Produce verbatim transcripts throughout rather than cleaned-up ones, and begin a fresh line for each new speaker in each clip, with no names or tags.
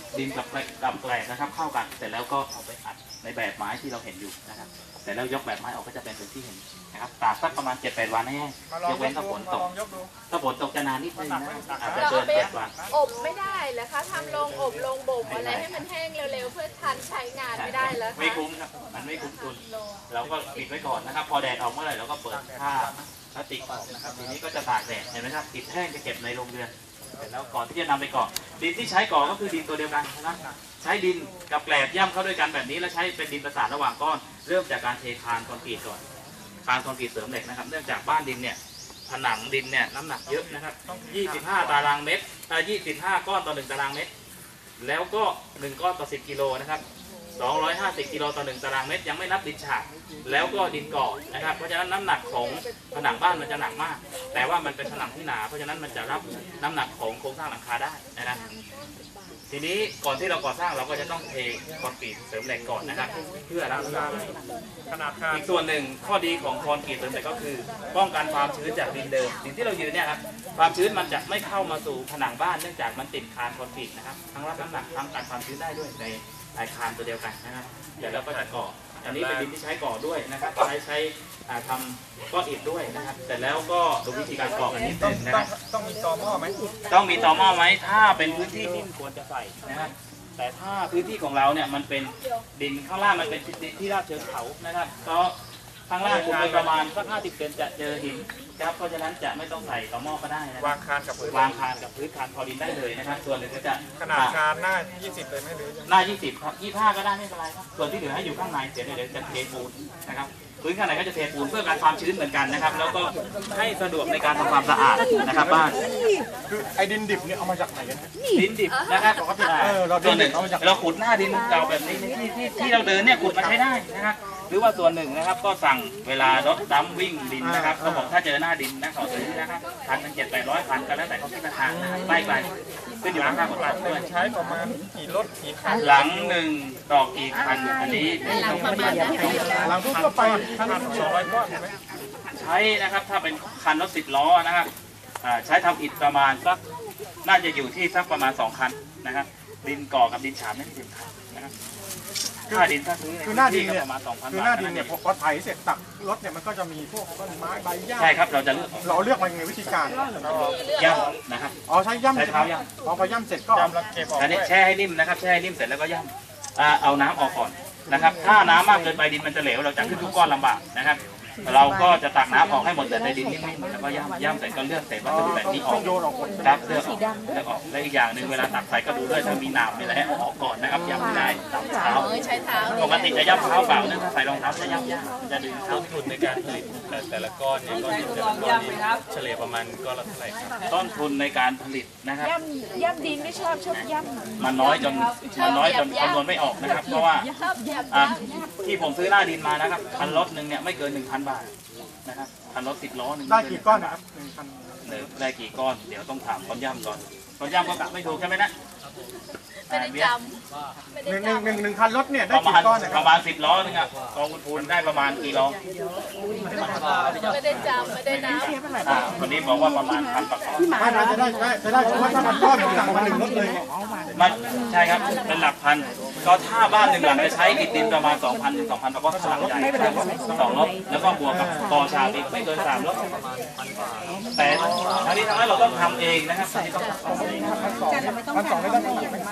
ดินกับกับแกลบนะครับเข้ากันเสร็จแล้วก็เอาไปอัดในแบบไม้ที่เราเห็นอยู่นะครับเสร็จแล้วยกแบบไม้ออกก็จะเป็นแบบที่เห็นนะครับตากสักประมาณเจ็ดแปดวันให้แห้งยกเว้นถ้าฝนตกถ้าฝนตกจะนานนิดนึงนะอาจจะเกินเจ็ดวัน
อบไม่ได้เหรอคะทำลงอบลงบ่มอะไรให้มันแห้งเร็วๆเพื่อทันใช้งานไม่ได้แล้วคะ
ไม่คุ้มครับมันไม่คุ้มทุนเราก็ปิดไว้ก่อนนะครับพอแดดออกเมื่อไหร่เราก็เปิดผ้าพลาสติกออกนะครับทีนี้ก็จะตากแดดเห็นไหมครับติดแห้งจะเก็บในโรงเรือนเสร็จแล้วก่อนที่จะนำไปก่อดินที่ใช้ก่อก็คือดินตัวเดียวกันนะครับใช้ดินกับแกลบย่ำเข้าด้วยกันแบบนี้แล้วใช้เป็นดินประสานระหว่างก้อนเริ่มจากการเทคานคอนกรีตก่อนคานคอนกรีตเสริมเหล็กนะครับเนื่องจากบ้านดินเนี่ยผนังดินเนี่ยน้ำหนักเยอะนะครับยี่สิบห้าตารางเมตรอ่ายี่สิบห้าก้อนต่อหนึ่งตารางเมตรแล้วก็หนึ่งก้อนต่อสิบกิโลนะครับสองร้อยห้าสิบกิโลต่อหนึ่งตารางเมตรยังไม่นับดินฉาบแล้วก็ดินก่อนะครับเพราะฉะนั้นน้ำหนักของผนังบ้านมันจะหนักมากแต่ว่ามันเป็นผนังที่หนาเพราะฉะนั้นมันจะรับน้ำหนักของโครงสร้างหลังคาได้นะครับทีนี้ก่อนที่เราก่อสร้างเราก็จะต้องเทคอนกรีตเสริมเหล็กก่อนนะครับเพื่อรักษาขนาดคานอีกส่วนหนึ่งข้อดีของคอนกรีตเสริมเหล็กก็คือป้องกันความชื้นจากดินเดิมสิ่งที่เรายืนเนี่ยครับความชื้นมันจะไม่เข้ามาสู่ผนังบ้านเนื่องจากมันติดคานคอนกรีตนะครับทั้งรับน้ำหนักทั้งกันความชื้นได้ด้วยในอาคารตัวเดียวกันนะครับเดี๋ยวเราก็จะก่ออันนี้เป็นดินที่ใช้ก่อด้วยนะครับใช้ใช้ทำก้อนอิฐด้วยนะครับแต่แล้วก็ดูวิธีการก่อกันนิดนึงนะครับ
ต้องมีตอหม้อไหม
ต้องมีตอหม้อไหมถ้าเป็นพื้นที่นิ่มควรจะใส่นะครับแต่ถ้าพื้นที่ของเราเนี่ยมันเป็นดินข้างล่างมันเป็นดินที่ราบเชิงเขานะครับเพราะข้างล่างขุดไปประมาณสักห้าสิบเซนจะเจอหินครับเพราะฉะนั้นจะไม่ต้องใส่ตอหม้อก็ได้นะ
วางคานกับพื้น
วางคานกับพื้นคานพอดินได้เลยนะครับส่วนหนึ่งก็จะ
ขนาดคานหน้ายี่สิบเลยไหมหรือ
หน้ายี่สิบครับยี่สิบห้าก็ได้ไม่เป็นไรครับส่วนที่เหลือให้อยู่ข้างในเดี๋ยวเดี๋ยวจะเทปูนนะครับพื้นข้างในก็จะเทปูนเพื่อการความชื้นเหมือนกันนะครับแล้วก็ให้สะดวกในการทำความสะอาดนะครับบ้าน
คือไอ้ดินดิบเนี่ยเอามาจากไหนกัน
ดินดิบนะครับส่วนหนึ่งเราขุดหน้าดินเก่าแบบนี้ที่ที่ที่เราเดินเนี่ยขุดมาใช้ได้นะครับหรือว่าส่วนหนึ่งนะครับก็สั่งเวลารถดัมวิ่งดินนะครับเขาบอกถ้าเจอหน้าดินนะขอซื้อนะครับพันเป็นเจ็ดแปดร้อยพันก็แล้วแต่เขาคิดราคาใกล้ไกลขึ้นอยู่กับค่ากฎหมายด้วย
ใช้ประมาณกี่รถกี่คัน
หลังหนึ่งดอกกี่คันอันนี้
หลังประมาณนั้น
หลังทั่วไปคันสองร้อยก้อนใช่ไหม
ใช้นะครับถ้าเป็นคันรถสิบล้อนะครับใช้ทำอิฐประมาณสักน่าจะอยู่ที่สักประมาณสองคันนะครับดินก่อกับดินฉาบไม่ถึงคันนะครับค่าดินถ้าซื้อ
คือหน้าดินเนี่ยประมาณสองพันคือหน้าดินเนี่ยพอไถเสร็จตักรถเนี่ยมันก็จะมีพวกต้นไม้ใบหญ้า
ใช่ครับเราจะเลือก
เราเลือกมาในวิธีการ
ย่ำนะครับ
อ๋อใช้ย่ำ
ใช้เท้าย่
ำพอพอย่ำเสร็จก็
อันนี้แช่ให้นิ่มนะครับแช่ให้นิ่มเสร็จแล้วก็ย่ำเอาน้ำออกก่อนนะครับถ้าน้ำมากเกินไปดินมันจะเหลวเราจะขึ้นทุกก้อนลำบากนะครับเราก็จะตักน้ำออกให้หมดแต่ในดินนิ่มๆแล้วก็ย่ำย่ำเสร็จก็เลือกเศษวัสดุแบบนี้ออกครับเลือกออกแล้วออกและอีกอย่างหนึ่งเวลาตักใส่ก็ดูด้วยถ้ามีน้ำมีอะไรให้ออกก่อนนะครับย่ำไม่ได้ตักเท้า
ใช้เท้า
ปกติจะย่ำเท้าเปล่านะถ้าใส่รองเท้าจะย่ำยากจะดึงเท้า
ทุนในการผลิตแต่ละก้อนเนี่ยก้อนแต่ละก้อนนี้เฉลี่ยประมาณก้อนละเท่าไหร่ครับ
ต้นทุนในการผลิตนะครับ
ย่ำย่ำดินไม่ชอบชอบย่ำ
มันน้อยจนมันน้อยจนคำนวณไม่ออกนะครับเพราะว่าที่ผมซื้อหน้าดินมานะครับคันรถหนึ่งเนี่ยไม่เกินหนึ่งพันบาทนะครับคันรถสิบล้อหนึ่ง
ได้กี่ก้อนนะครับหนึ่งพัน
ได้กี่ก้อนเดี๋ยวต้องถามคนย่ำก่อนคนย่ำก็กลับไม่ถูกใช่ไหมนะ
ไม่ได้จำ
หนึ่งหนึ่งหนึ่งหนึ่งคันรถเนี่ยได้
กี่
ก้อน
ประมาณสิบล้อนึงอ่ะกองคุณพูนได้ประมาณกี่ล้อ
ไม่ได้จำไม่ได้นับ
คนนี้บอกว่าประมาณพันประกอบ
ไม่น่าจะได้จะได้เพราะว่าถ้ามันก้อนสั่งมาหนึ่งรถเลย
มันใช่ครับเป็นหลักพันก็ถ้าบ้านหนึ่งหลังจะใช้อิฐดินประมาณสองพันถึงสองพันประกอบหลังใหญ่สองรถแล้วก็บวกกับกอชาอีกไม่เกินสามรถแต่ทั้งนี้ทั้งนั้นเราต้องทำเองนะครับ
พันสองไม่ต้อง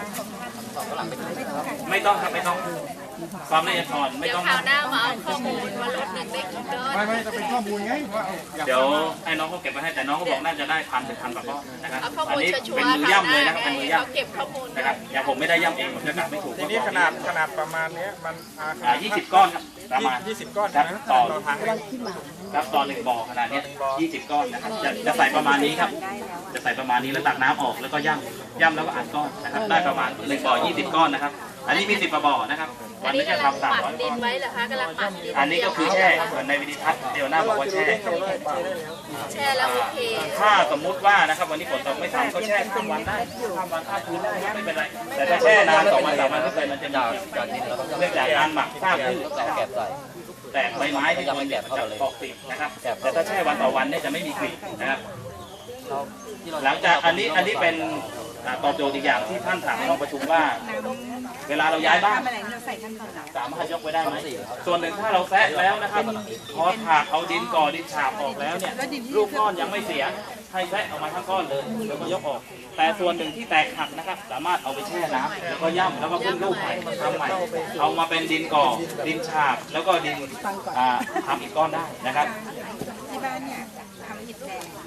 ไม่ต้องครับไม่ต้องความละเอียดอ่อนไม่ต้อง
ข่าวหน้ามาเอาข้อมูลว่ารถหนึ่งได้กี่ก้อน
ไม่ไม่จะเป็นข้อมูลไงว่า
เดี๋ยวให้น้องเขาเก็บไปให้แต่น้องเขาบอกน่าจะได้พันถึงพันกว่าก้อนนะครับ
อัน
นี้
เป็น
มือย่ำเลยนะครับเป็นมือย่ำ
เก็บข้อมูล
นะครับอย่างผมไม่ได้ย่ำเองผมจะกลับไม่ถูก
ทีนี้ขนาดขนาดประมาณนี้มัน
อ่ายี่สิบก้อนครับประมาณ
ยี่สิบก้อน
นะต่อทางครับตอนหนึ่งบ่อขนาดนี้ยี่สิบก้อนนะครับจะจะใส่ประมาณนี้ครับจะใส่ประมาณนี้แล้วตักน้ำออกแล้วก็ย่ำย่ำแล้วก็อัดก้อนนะครับได้ประมาณหนึ่งบ่อยี่สิบก้อนนะครับอันนี้มีสิบบ่อนะครับวันนี้จะทำสามร้อยก้อน
ไว้เหรอคะกำลังปัดดิน
อันนี้ก็คือแช่เหมือนในวิดีทัศน์เดียวหน้าบอกว่าแช่
แช่แล้วโอเค
ถ้าสมมุติว่านะครับวันนี้ฝนตกไม่ทำก็แช่ข้ามวันได้ข้ามวันข้ามคืนได้ไม่เป็นไรแต่ถ้าแช่นานสองวันสามวันขึ้นไปมันจะมีเนื่องจากการหมักข้าวพืชแต่ใบไม้ที่มันจะออกกลิ่นนะครับแต่ถ้าแช่วันต่อวันเนี่ยจะไม่มีกลิ่นนะครับหลังจากอันนี้อันนี้เป็นอ่าตอบโจทย์อีกอย่างที่ท่านถามในห้องประชุมว่า เวลาเราย้ายบ้านสามารถยกไว้ได้ไหมส่วนหนึ่งถ้าเราแซะแล้วนะครับพอถากเอาดินก่อดินฉาบออกแล้วเนี่ยรูปก้อนยังไม่เสียให้แซะออกมาทั้งก้อนเลยแล้วก็ยกออก แต่ส่วนหนึ่งที่แตกหักนะครับสามารถเอาไปแช่น้ำแล้วก็ย่ำแล้วก็ขึ้นรูปใหม่ทำใหม่เอามาเป็นดินก่อดินฉาบแล้วก็ดินอ่าทำอีกก้อนได้นะครับ
ที่บ้านเนี่ยทำอิฐแดง